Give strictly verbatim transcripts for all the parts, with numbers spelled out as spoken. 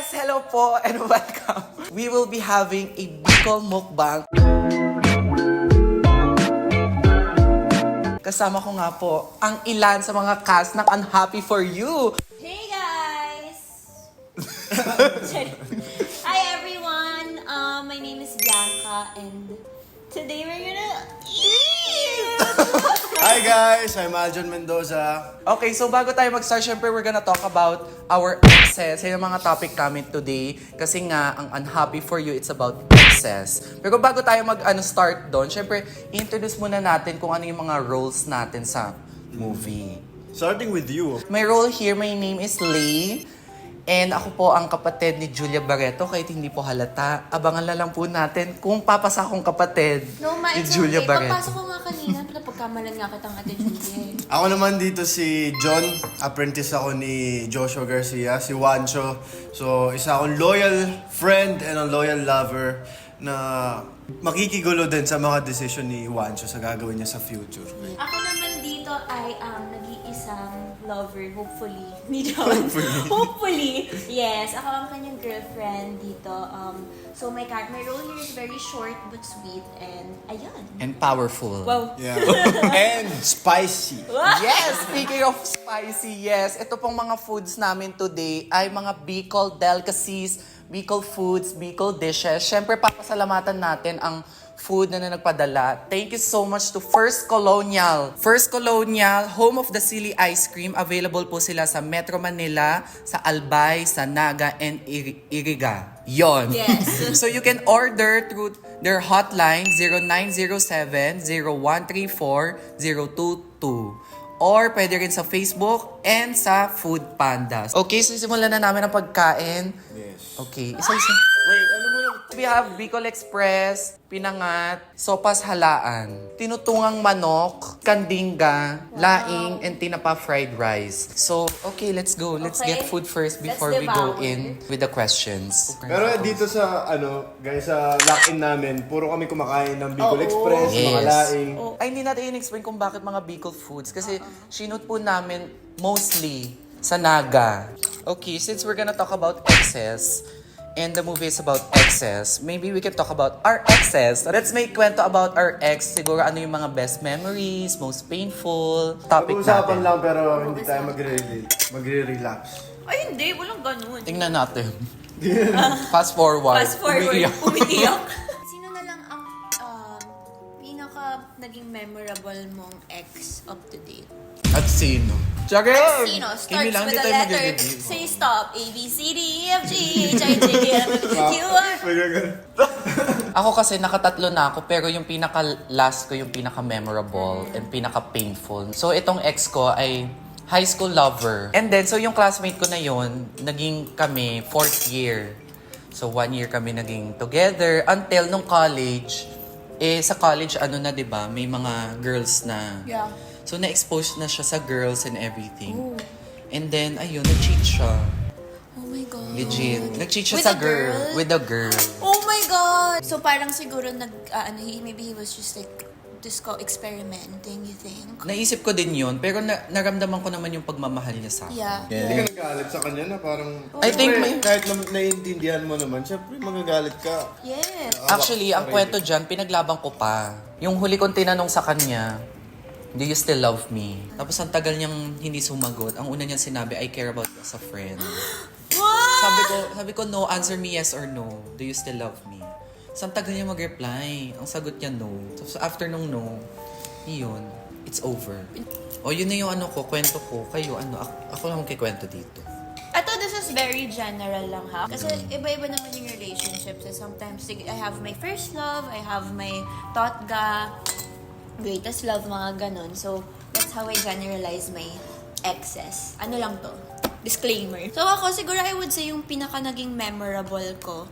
Hello po and welcome. We will be having a Bicol mukbang. Kasama ko nga po ang ilan sa mga cast ng Unhappy For You. Hey guys! Hi everyone! Um, my name is Bianca and today we're gonna eat! Hi guys, I'm Aljon Mendoza. Okay, so bago tayo mag-start, syempre we're gonna talk about our exes. Yan ang mga topic namin today. Kasi nga, ang Unhappy For You, it's about exes. Pero bago tayo mag-start doon, syempre, introduce muna natin kung ano yung mga roles natin sa movie. Starting with you. My role here, my name is Lay. And ako po ang kapatid ni Julia Barreto, kahit hindi po halata. Abangan na lang po natin kung papasa akong kapatid No, ma, ni it's Julia okay. Barreto. Pagpasok ko nga kanina, napagkamalan nga kitang ate Julia. Ako naman dito si John, apprentice ako ni Joshua Garcia, si Juancho. So, isa akong loyal friend and a loyal lover na makikigulo din sa mga decision ni Juancho sa gagawin niya sa future. Ako naman dito ay um, nag-iisang lover, hopefully. Hindi naman. Hopefully. Hopefully. Yes, ako ang kanyang girlfriend dito. Um, so my cat, my role here is very short but sweet and ayun. And powerful. Wow. Yeah. And spicy. Yes! Speaking of spicy, yes. Ito pong mga foods namin today ay mga Bicol delicacies, Bicol foods, Bicol dishes. Siyempre, papasalamatan natin ang food na, na nagpadala. Thank you so much to First Colonial. First Colonial, home of the Silly Ice Cream. Available po sila sa Metro Manila, sa Albay, sa Naga, and Ir- Iriga. Yon. Yes. So you can order through their hotline zero nine zero seven, zero one three four, zero two two. Or pwede rin sa Facebook and sa Food Pandas. Okay, so simulan na namin ang pagkain. Yes. Okay, isa-isa. Wait, ano mo lang? We have Bicol Express, Pinangat, Sopas Halaan, Tinutungang Manok, Kandinga, Laing, and Tinapa Fried Rice. So, okay, let's go. Let's Okay. get food first Let's before we go devour. in with the questions. Pero dito sa, ano, guys, sa lock-in namin, puro kami kumakain ng Bicol Oo. Express, mga Yes. laing. Oh. Ay, hindi natin in-explain kung bakit mga Bicol foods. Kasi sinut po namin mostly sa Naga. Okay, since we're gonna talk about exes, and the movie is about exes, maybe we can talk about our exes. Let's make kwento about our ex. Siguro ano yung mga best memories, most painful topic Pag-uusapan natin. lang pero hindi tayo magre-relate. Magre-relapse. Ay, hindi. Walang ganun. Tingnan natin. Fast forward. Fast forward, Umiiyak. umiiyak. Sino na lang ang um, pinaka naging memorable mong ex up to date? At sino? Tsaka At sino? Kimi Starts lang, with hindi the tayo letter. mag-review. Say stop. A, B, C, D, E, F, G, H, I, J, K, L, M, N, O, P, Q, R. May gagawin. Ako kasi nakatatlo na ako pero yung pinaka-last ko yung pinaka-memorable and pinaka-painful. So itong ex ko ay high school lover. And then, so yung classmate ko na yon naging kami fourth year. So one year kami naging together until nung college. Eh sa college ano na 'di ba, may mga girls na. Yeah. So na-expose na siya sa girls and everything. And then ayun, nag-cheat siya. Oh my God. Legit. Nag-cheat siya With sa a girl. girl? With a girl. Oh my God! So parang siguro nag, uh, ano, he, maybe he was just like, just go experimenting, you think? Naisip ko din yun, pero na- naramdaman ko naman yung pagmamahal niya sa akin. Yeah. Hindi ka nagalit sa kanya na parang... I think Siyempre, may- kahit na naiintindihan mo naman, syempre magagalit ka. Yes. Actually, ang kwento dyan, pinaglaban ko pa. Yung huli kong tinanong sa kanya, do you still love me? Tapos ang tagal niyang hindi sumagot. Ang una niyang sinabi, I care about you as a friend. What? Sabi ko, sabi ko, no, answer me yes or no. Do you still love me? So ang tagal niya mag-reply. Ang sagot niya no. Tapos after nung no, yun, it's over. O yun na yung ano ko, kwento ko. Kayo, ano, ako, ako lang magkikwento dito. Ito, this is very general lang ha. Kasi iba-iba naman yung relationships. So sometimes, sig- I have my first love, I have my totga, greatest love, mga ganon. So, that's how I generalize my exes. Ano lang to? Disclaimer. So ako, siguro I would say yung pinaka naging memorable ko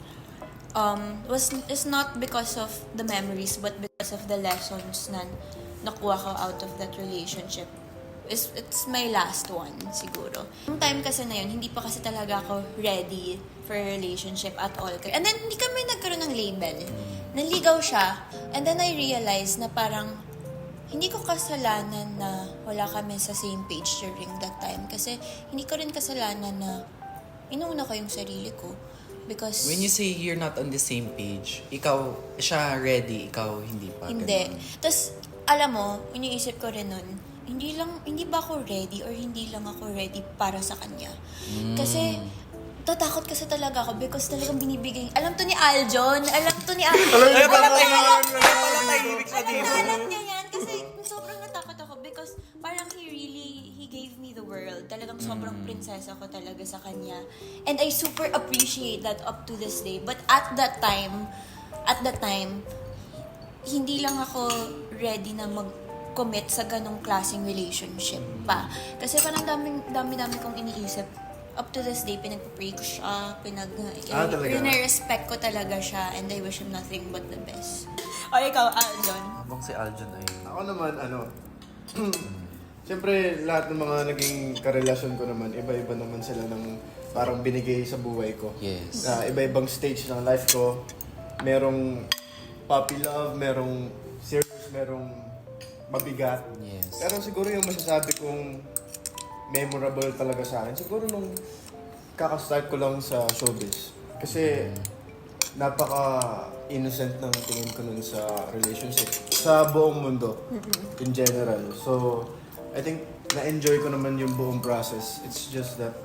um, was is not because of the memories but because of the lessons na nakuha ko out of that relationship. It's, it's my last one, siguro. Yung time kasi na yun, hindi pa kasi talaga ako ready for a relationship at all. And then, hindi kami nagkaroon ng label. Naligaw siya. And then, I realized na parang, hindi ko kasalanan na wala kami sa same page during that time. Kasi, hindi ko rin kasalanan na inuuna ko yung sarili ko. Because, When you say you're not on the same page, ikaw, siya ready, ikaw hindi pa. hindi. ganun. Tapos, alam mo, iniisip ko rin nun, hindi lang, hindi ba ako ready or hindi lang ako ready para sa kanya? Kasi, tatakot kasi talaga ako because talagang binibigay, alam to ni Aljon, alam to ni Aljon. Alam niya alam, ba alam, kung alam, ano alam, na tahimik siya alam, dito. na, alam niya yan kasi sobrang natakot ako because parang he really, he gave me the world. Talagang sobrang prinsesa ko talaga sa kanya. And I super appreciate that up to this day. But at that time, at that time, hindi lang ako ready na mag-commit sa ganong klaseng relationship pa. Kasi parang daming, dami-dami kong iniisip. Up to this day, pinag-pray ko siya, pinag Ah, talaga? respect ko talaga siya, and I wish him nothing but the best. O ikaw, Aljon? Habang si Aljon ay... Ako naman, ano, siyempre, lahat ng mga naging karelasyon ko naman, iba-iba naman sila ng parang binigay sa buhay ko. Yes. Ah, iba-ibang stage ng life ko. Merong puppy love, merong serious, merong mabigat. Yes. Pero siguro yung masasabi kong memorable talaga sa akin, siguro nung kakastart ko lang sa showbiz. Kasi napaka-innocent ng tingin ko nun sa relationship. Sa buong mundo, in general. So, I think na-enjoy ko naman yung buong process. It's just that...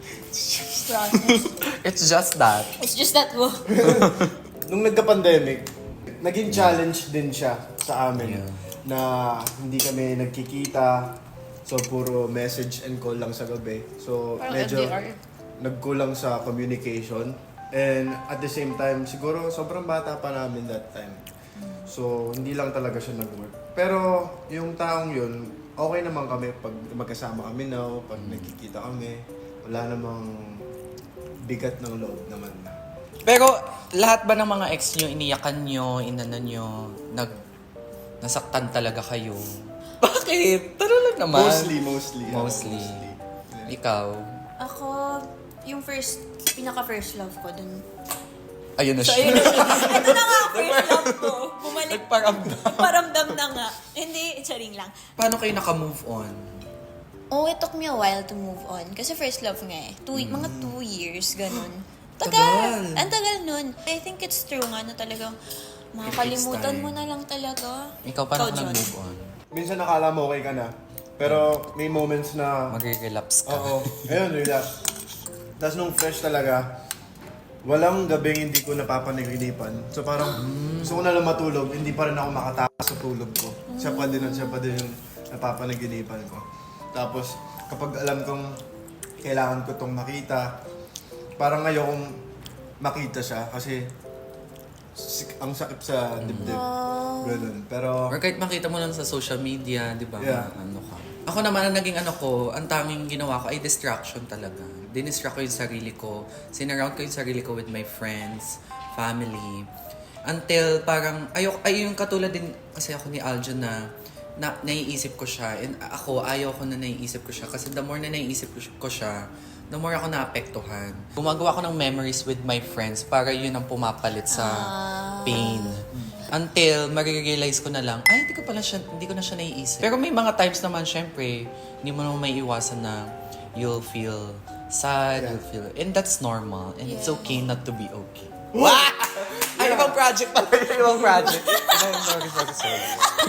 It's just that. It's just that, wo. Nung nagka-pandemic, naging challenge din siya sa amin. Yeah. Na hindi kami nagkikita. So, puro message and call lang sa gabi. So, Parang medyo F D R. nagkulang sa communication. And at the same time, siguro sobrang bata pa namin that time. So, hindi lang talaga siya nag-work. Pero, yung taong yun, okay naman kami pag magkasama kami now, pag nagkikita kami. Wala namang bigat ng loob naman. Pero lahat ba ng mga ex nyo, iniyakan nyo, inano nyo, nag, nasaktan talaga kayo? Bakit? Tara lang naman. Mostly, mostly. ah, Mostly. Ikaw? Ako, yung first, pinaka-first love ko dun. Ayun na So, siya. ayun na siya. Ito na nga, first love ko. Bumalik. Nagparamdam. Paramdam na nga. Hindi, charing lang. Paano kayo naka-move on? Oh, it took me a while to move on. Kasi first love nga eh. Two, Mga two years, ganun. Tagal. Tagal! Ang tagal nun. I think it's true nga na talagang makakalimutan time. mo na lang talaga. Ikaw, paano ka John? nag-move on? Minsan nakala mo okay ka na. Pero may moments na... Magre-relapse ka. Oo. Ayun, relax. Tapos nung fresh talaga, walang gabing hindi ko napapanaginipan. So parang gusto ko na lang matulog, hindi pa rin ako makatakas sa tulog ko. Siya pa din at siya pa din yung napapanaginipan ko. Tapos kapag alam kong kailangan ko tong makita, parang ayokong makita siya kasi sik- ang sakit sa dibdib. Ganun. Pero Or kahit makita mo lang sa social media, di ba? Yeah. Ano ka. Ako naman, ang naging ano ko, ang tanging ginawa ko ay distraction talaga. Dinistract ko yung sarili ko. Sinaround ko yung sarili ko with my friends, family. Until parang, ayok, ay yung katulad din kasi ako ni Aljon na, na naiisip ko siya. And ako, ayaw ko na naiisip ko siya. Kasi the more na naiisip ko siya- ko siya, the more ako naapektuhan. Gumagawa ko ng memories with my friends para yun ang pumapalit sa pain. Until marirealize ko na lang, ay, hindi ko pala siya, hindi ko na siya naiisip. Pero may mga times naman, syempre, hindi mo naman may iwasan na you'll feel sad, Yeah. you'll feel, and that's normal. And it's Yeah. okay not to be okay. Wow! Ay, ibang project pala. Ibang project. Ay, sorry, sorry, sorry.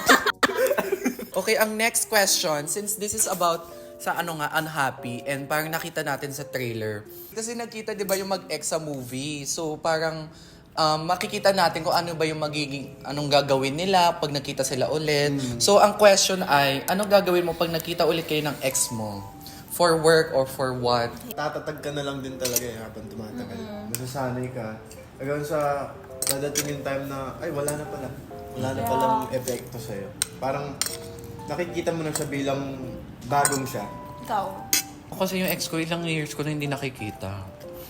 Okay, ang next question, since this is about sa ano nga, unhappy, and parang nakita natin sa trailer. Kasi nakita, di ba, yung mag-ex sa movie. So, parang um, makikita natin kung ano ba yung magiging, anong gagawin nila pag nakita sila ulit. So, ang question ay, anong gagawin mo pag nakita ulit kayo ng ex mo? For work or for what? tatatag ka na lang din talaga eh habang tumatagal. Masasanay ka. Hanggang sa dadating yung time na, ay wala na pala. Wala na Yeah. palang epekto sa'yo. Parang nakikita mo na siya bilang bagong siya. Ikaw. Kasi yung ex ko, ilang years ko na hindi nakikita.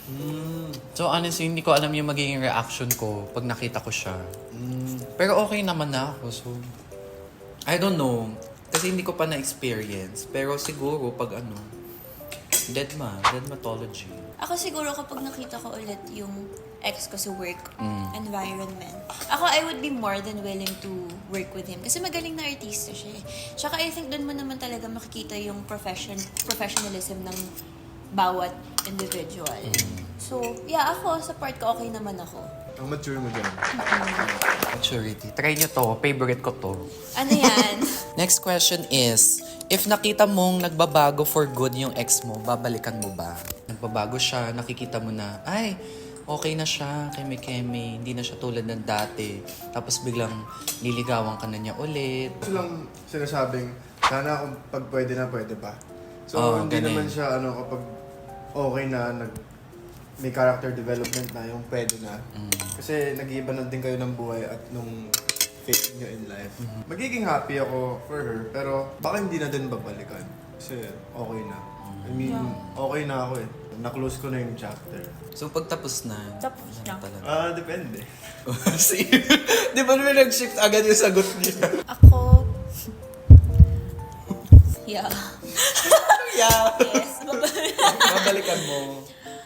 So honestly, hindi ko alam yung magiging reaction ko pag nakita ko siya. Pero okay naman na ako, so... I don't know. Kasi hindi ko pa na-experience. Pero siguro pag ano, deadma, deadmatology. Ako siguro kapag nakita ko ulit yung ex ko sa work Mm. environment, ako I would be more than willing to work with him. Kasi magaling na artista siya eh. Tsaka I think doon mo naman talaga makikita yung profession, professionalism ng bawat individual. So, yeah, ako, sa part ko, okay naman ako. Ang mature mo dyan. Maturity. Try nyo to. Favorite ko to. Ano yan? Next question is, if nakita mong nagbabago for good yung ex mo, babalikan mo ba? Nagbabago siya, nakikita mo na, ay, okay na siya, keme-keme, hindi na siya tulad ng dati. Tapos biglang liligawan ka na niya ulit. Gusto lang sinasabing, sana kung pag pwede na, pwede pa. So, Oo, hindi ganun. naman siya, ano, kapag okay na, nag, may character development na, yung pwede na. Kasi nag-iiba na din kayo ng buhay at nung fate nyo in life. Magiging happy ako for her, pero baka hindi na din babalikan. Kasi okay na. I mean, okay na ako eh. Na-close ko na yung chapter. So pagtapos na, Tapos na. talaga. Ah, depende. See? Di ba naman nag-shift agad yung sagot niya? Ako, yeah. Yeah. Yes. Babalikan mo.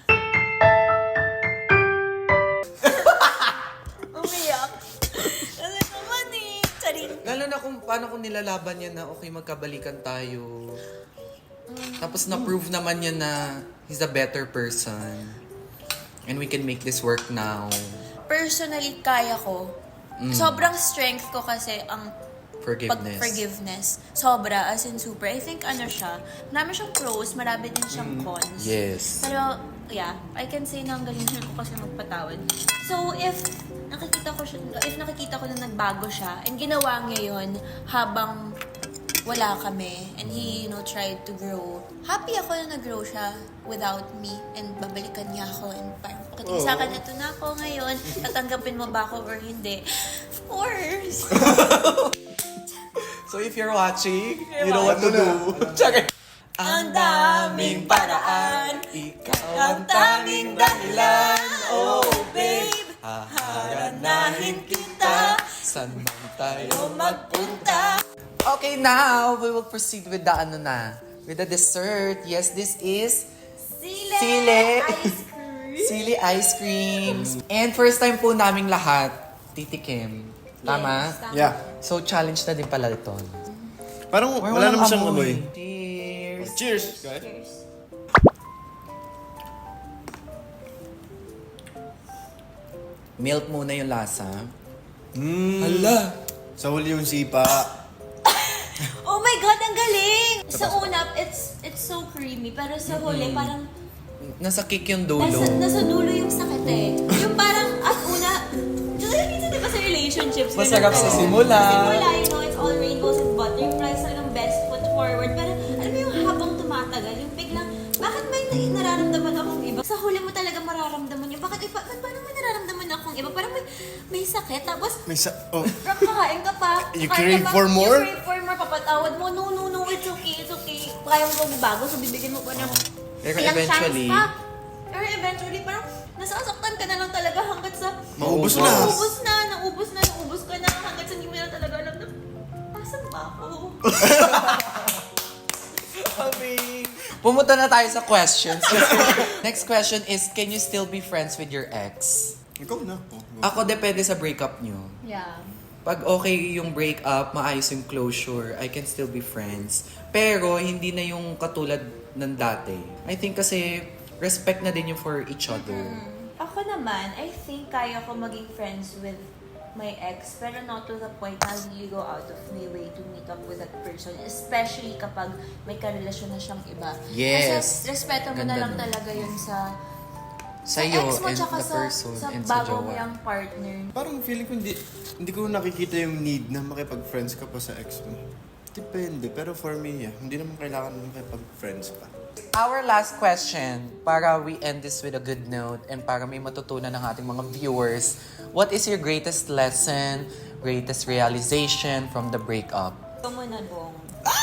Umiyak. Kasi naman eh. Charing. Lalo na kung paano kung nilalaban niya na okay, magkabalikan tayo. Tapos na-prove naman niya na he's a better person. And we can make this work now. Personally, kaya ko. Sobrang strength ko kasi ang Forgiveness. pag forgiveness. Sobra, as in super. I think ano siya, marami siyang pros, marami din siyang cons. Yes. Pero, yeah, I can say na ang galing ko kasi magpatawad. So, if nakikita ko siya, if nakikita ko na nagbago siya, and ginawa niya yun habang wala kami, and he, you know, tried to grow. Happy ako na nag-grow siya without me, and babalikan niya ako, and parang, pagdating sa akin, ito na ako ngayon, tatanggapin mo ba ako or hindi? Of course! So if you're watching, You're you know what to do. Tsaka, Ang daming paraan, ikaw ang tanging dahilan, oh babe, haharanahin kita, saan man tayo o magpunta. Okay, now we will proceed with the ano na, with the dessert. Yes, this is Sile! Sile. Ice cream! Sili ice creams. And first time po naming lahat titikim. Tama? Yes, tama. Yeah. So challenge na din pala ito. Parang Or wala walang naman siyang amoy. Cheers! Cheers, guys. Cheers. Milk muna yung lasa. Mm. Hala! Sa huli yung sipa. Oh my God, ang galing! Sa una, it's it's so creamy. Pero sa huli, parang Nasa kick yung dulo. nasa, nasa dulo yung sakit eh. Yung parang, at una, kasi minsan diba sa relationships, ganun Masarap sa tayo. simula. Sa simula, you know, it's all rainbows and butterflies, talagang best foot forward. Pero alam mo yung habang tumatagal, yung biglang, bakit may na- nararamdaman akong iba? Sa huli mo talaga mararamdaman yung, bakit, eh, pa, paano may nararamdaman akong iba? Parang may, may sakit, tapos, May sa... Oh. Rock, kakain ka pa. You kakain crave ka pa, for more? You crave for more, papatawad mo. No, no, no, it's okay, it's okay. Kaya mo magbabago, so bibigyan mo pa ng Pero ilang eventually- chance pa. Pero eventually, parang nasasaktan ka na lang talaga hanggat sa... Maubos na. Naubos na, naubos na, naubos ka na hanggat sa hindi mo na talaga alam na, asan ba ako? Pumunta na tayo sa questions. Next question is, can you still be friends with your ex? Ikaw na. Oh, go. Ako, depende sa breakup nyo. Yeah. Pag okay yung breakup, maayos yung closure, I can still be friends. Pero, hindi na yung katulad ng dati. I think kasi, respect na din yung for each other. Ako naman, I think kaya ko maging friends with my ex, pero not to the point na really go out of my way to meet up with that person. Especially kapag may karelasyon na siyang iba. Yes. Kasi respeto mo na Ganda lang nun. talaga yun sa Sa'yo ex mo and tsaka the sa, person sa and sa bago mo jowa. yung partner. Parang feeling ko hindi, hindi ko nakikita yung need na makipag-friends ka pa sa ex mo. Depende, pero for me, yeah, hindi naman kailangan makipag-friends pa. Our last question, para we end this with a good note and para may matutunan ng ating mga viewers, what is your greatest lesson, greatest realization from the breakup? Ito mo na, Bong.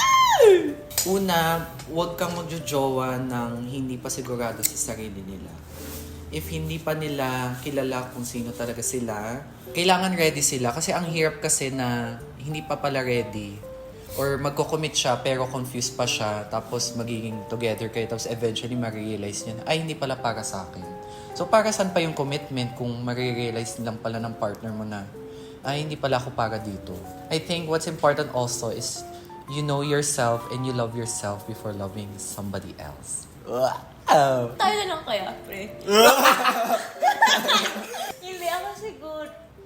Una, huwag kang magjojowa ng hindi pa sigurado sa sarili nila. If hindi pa nila kilala kung sino talaga sila, kailangan ready sila. Kasi ang hirap kasi na hindi pa pala ready. Or magko-commit siya pero confused pa siya. Tapos magiging together kayo. Tapos eventually marirealize niya na, ay hindi pala para sa akin. So para saan pa yung commitment kung marirealize lang pala ng partner mo na, ay hindi pala ako para dito. I think what's important also is you know yourself and you love yourself before loving somebody else. Ugh. Oh. Tayo na lang kaya, pre. Hindi ako siguro.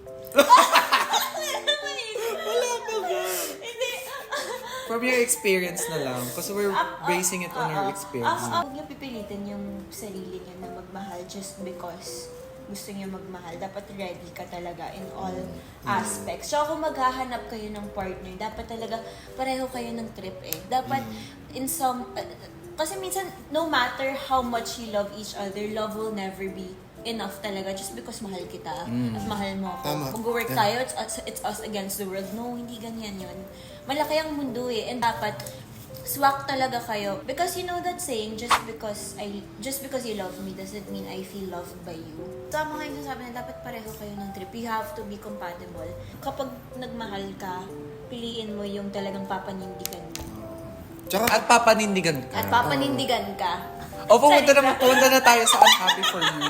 Wala pa ba? Hindi. From your experience na lang. Kasi we're Ah, ah, basing it on ah, your ah. experience. Ah, ah, Huwag niyo pipilitin yung sarili niyo na magmahal just because gusto niyo magmahal. Dapat ready ka talaga in all aspects. So kung maghahanap kayo ng partner, dapat talaga pareho kayo ng trip eh. Dapat in some... uh, kasi minsan, no matter how much you love each other, love will never be enough talaga just because mahal kita at mahal mo ako. Tama. Mag-work Yeah. tayo, it's us, it's us against the world. No, hindi ganyan yun. Malaki ang mundo eh. And dapat, swak talaga kayo. Because you know that saying, just because I just because you love me doesn't mean I feel loved by you. Tama nga yung sabi na dapat pareho kayo ng trip. You have to be compatible. Kapag nagmahal ka, piliin mo yung talagang papanindigan mo. Tsaka, At papanindigan ka. At papanindigan ka. O, pumunta na, pumunta na tayo sa Unhappy For You.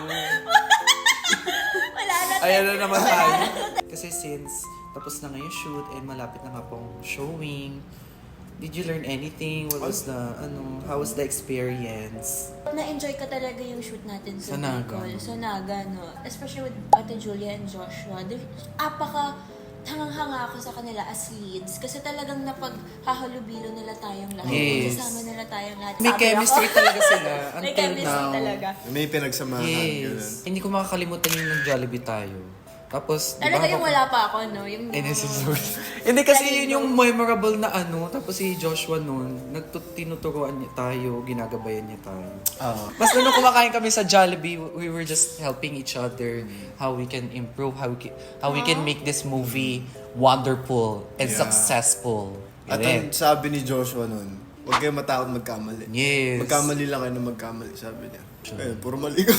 Wala na. Ayan na naman tayo. Kasi since tapos na ngayon shoot and malapit na nga pong showing, did you learn anything? What was the, ano, how was the experience? Na-enjoy ka talaga yung shoot natin sa Sa Naga. Bicol. Sa Naga, no? Especially with Ate Julia and Joshua. They're- Apaka, hangang-hanga ako sa kanila as leads. Kasi talagang napaghahalubilo nila tayong lahat. Yes. Kasama nila tayong lahat. May Sabi chemistry ako. talaga sila May until chemistry now. talaga. may pinagsamahan. Ganun. Yes. Hindi ko makakalimutan yung nag-Jollibee tayo. Tapos, di Talaga ba, yung wala pa ako, no? Yung, Eh, necessary. Hindi kasi yun yung memorable na ano. Tapos si Joshua noon, nagtinuturuan niya tayo, ginagabayan niya tayo. Ah. Mas nung kumakain kami sa Jollibee, we were just helping each other how we can improve, how we can, how we can make this movie wonderful and Yeah. successful. At ang sabi ni Joshua nun, huwag kayo matakot magkamali. Yes. Magkamali lang kayo na magkamali, sabi niya. Eh, puro mali kami.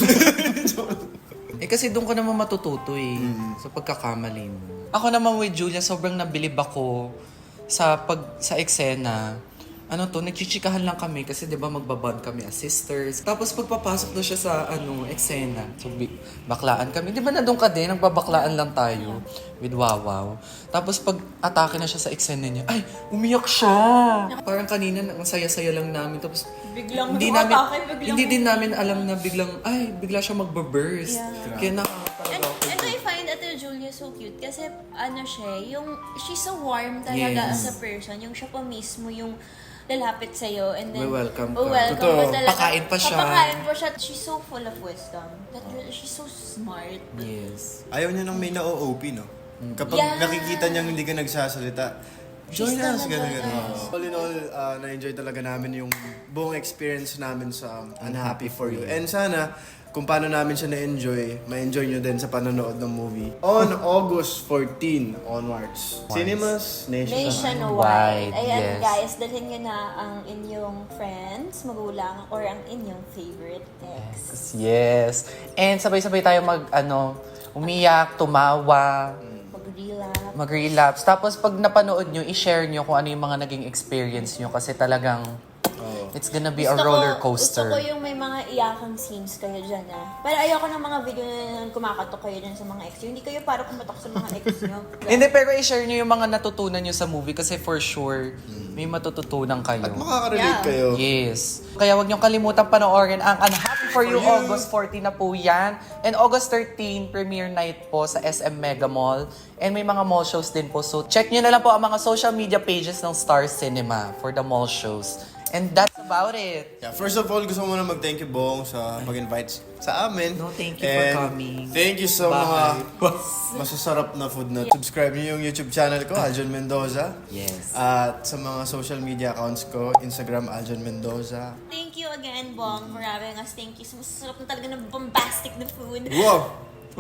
Eh kasi doon ka naman matututo eh, sa pagkakamali mo. Ako naman with Julia, sobrang nabilib ako sa pag sa eksena. Ano to, nagchichikahan lang kami kasi 'di ba magbabond kami as sisters. Tapos pagpapasok na siya sa ano, eksena. So bi- baklaan kami. 'Di ba na doon ka din, nagbabaklaan lang tayo with Wawaw. Tapos pag atake na siya sa eksena niya, ay, umiyak siya. Parang kanina ang saya-saya lang namin tapos Biglang hindi atake, namin biglang- hindi din namin alam na biglang ay, bigla siya magbe-burst. Yeah. Kaya And, nakakatawa ako. and I find Ate Julia so cute kasi ano siya, yung she's so warm talaga Yes. as a person. Yung siya pa mismo yung lalapit sa'yo and then We-welcome ka. oh, welcome Totoo. ka talaga. Pakain pa siya. Papakain pa siya. She's so full of wisdom. That really, she's so smart. Yes. Ayaw niya nang may na-O O P, no? Kapag Yeah. nakikita niyang hindi ka nagsasalita, join She's us, talaga, gano'n, gano'n. yes. All in all, uh, na-enjoy talaga namin yung buong experience namin sa Unhappy For You. And sana, kung paano namin siya na-enjoy, ma-enjoy nyo din sa panonood ng movie. On August fourteenth onwards. Cinemas Nationwide. Nationwide. Ayan yes. guys, dalhin nyo na ang inyong friends, magulang, or ang inyong favorite ex. Yes. And sabay-sabay tayo mag, ano, umiyak, tumawa, Mag-relapse. mag-relapse. Tapos pag napanood nyo, i-share nyo kung ano yung mga naging experience nyo kasi talagang Oo. it's gonna be a Gusto ko- roller coaster. Gusto ko yung may mga iyakang scenes kayo dyan, ah. Pero ayoko ng mga video na kumakatok kayo dyan sa mga ex nyo. Hindi kayo para kumatok sa mga ex nyo. Hindi, pero i-share nyo yung mga natutunan nyo sa movie kasi for sure, may matututunan kayo. At makaka-relate Yeah. kayo. Yes. Kaya wag niyong kalimutan panoorin ang Unhappy For You, August fourteen na po yan. And August thirteen, premiere night po sa S M Mega Mall. And may mga mall shows din po. So check nyo na lang po ang mga social media pages ng Star Cinema for the mall shows. And that's about it. Yeah, first of all, gusto ko muna mag-thank you, Bong, sa pag-invite sa amin. No, thank you for And coming. Thank you sa Bye. mga masasarap na food na. Subscribe niyo yung YouTube channel ko, Aljon Mendoza. Yes. At sa mga social media accounts ko, Instagram, Aljon Mendoza. Thank you again, Bong, for having us. Thank you. Masarap na talaga ng bombastic na food. Wow!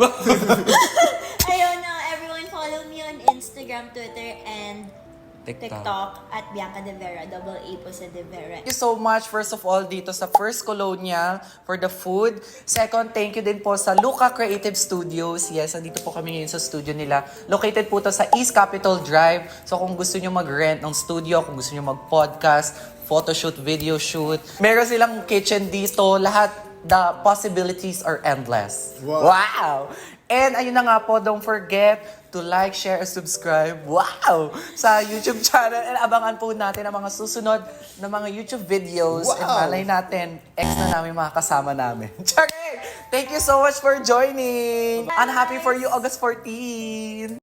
Ayun na, everyone follow me on Instagram, Twitter, and TikTok. TikTok at Bianca De Vera. Double A po sa De Vera. Thank you so much, first of all, dito sa First Colonial for the food. Second, thank you din po sa Luca Creative Studios. Yes, andito po kami ngayon sa studio nila. Located po to sa East Capitol Drive. So kung gusto nyo mag-rent ng studio, kung gusto nyo mag-podcast, photoshoot, video shoot, meron silang kitchen dito. Lahat the possibilities are endless. Wow. Wow! And ayun na nga po, don't forget to like, share, and subscribe. Wow! Sa YouTube channel. And abangan po natin ang mga susunod na mga YouTube videos. And Wow! malay natin, ex na namin mga kasama namin. Charing! Thank you so much for joining! I'm happy for you, August fourteenth!